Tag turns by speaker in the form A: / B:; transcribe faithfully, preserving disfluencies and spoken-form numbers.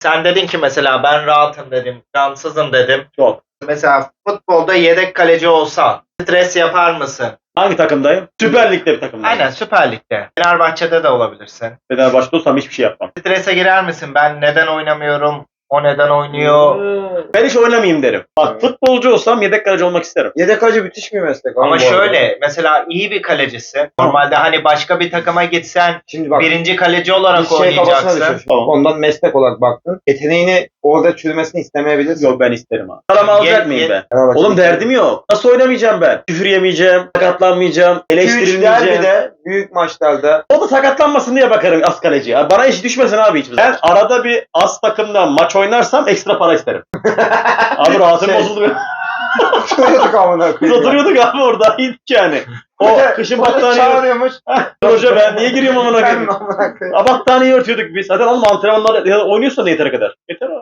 A: Sen dedin ki mesela ben rahatım dedim, cansızım dedim.
B: Çok.
A: Mesela futbolda yedek kaleci olsan stres yapar mısın?
B: Hangi takımdayım? Süper Lig'de bir takımdayım.
A: Aynen Süper Lig'de. Fenerbahçe'de de olabilirsin.
B: Fenerbahçe'de olsam hiçbir şey yapmam.
A: Strese girer misin? Ben neden oynamıyorum? O neden oynuyor?
B: Ben hiç oynamayayım derim. Bak futbolcu olsam yedek kaleci olmak isterim.
C: Yedek kaleci müthiş bir meslek.
A: Ama
C: bu arada.
A: şöyle mesela iyi bir kalecisin. Normalde hani başka bir takıma gitsen
C: Şimdi bak
A: birinci kaleci
C: bir
A: olarak
C: şey kafasına
A: oynayacaksın.
C: düşüyor.
B: Tamam.
C: Ondan meslek olarak baktın. Yeteneğini orada çürümesini istemeyebilirsin.
B: Yok ben isterim abi. Paramı alacak
A: Ye-
B: mıyım
A: ye-
B: ben?
C: Fenerbahçe
B: Oğlum
C: isterim.
B: derdim yok. Nasıl oynamayacağım ben? Küfür yemeyeceğim, sakatlanmayacağım,
C: iki üç
B: eleştirilmeyeceğim.
C: derbide büyük maçlarda
B: O da sakatlanmasın diye bakarım az kaleci. Ya bana iş düşmesin abi hiçbir zaman. Ben arada bir az takımda maç oynarsam ekstra para isterim. Abi rahatım
C: Şey-
B: bozuldu.
C: oturuyorduk amına
B: Biz
C: koyayım.
B: oturuyorduk abi orada hiç yani. O
C: Hoca-
B: kışın
C: hoca
B: battaniye...
C: çağırıyormuş.
B: Hoca ben niye giriyorum amına
C: Ben
B: koyayım?
C: amına koyayım.
B: Ha, battaniye örtüyorduk biz. Zaten oğlum antrenmanlar ya oynuyorsan da yeteri kadar. Yeter abi.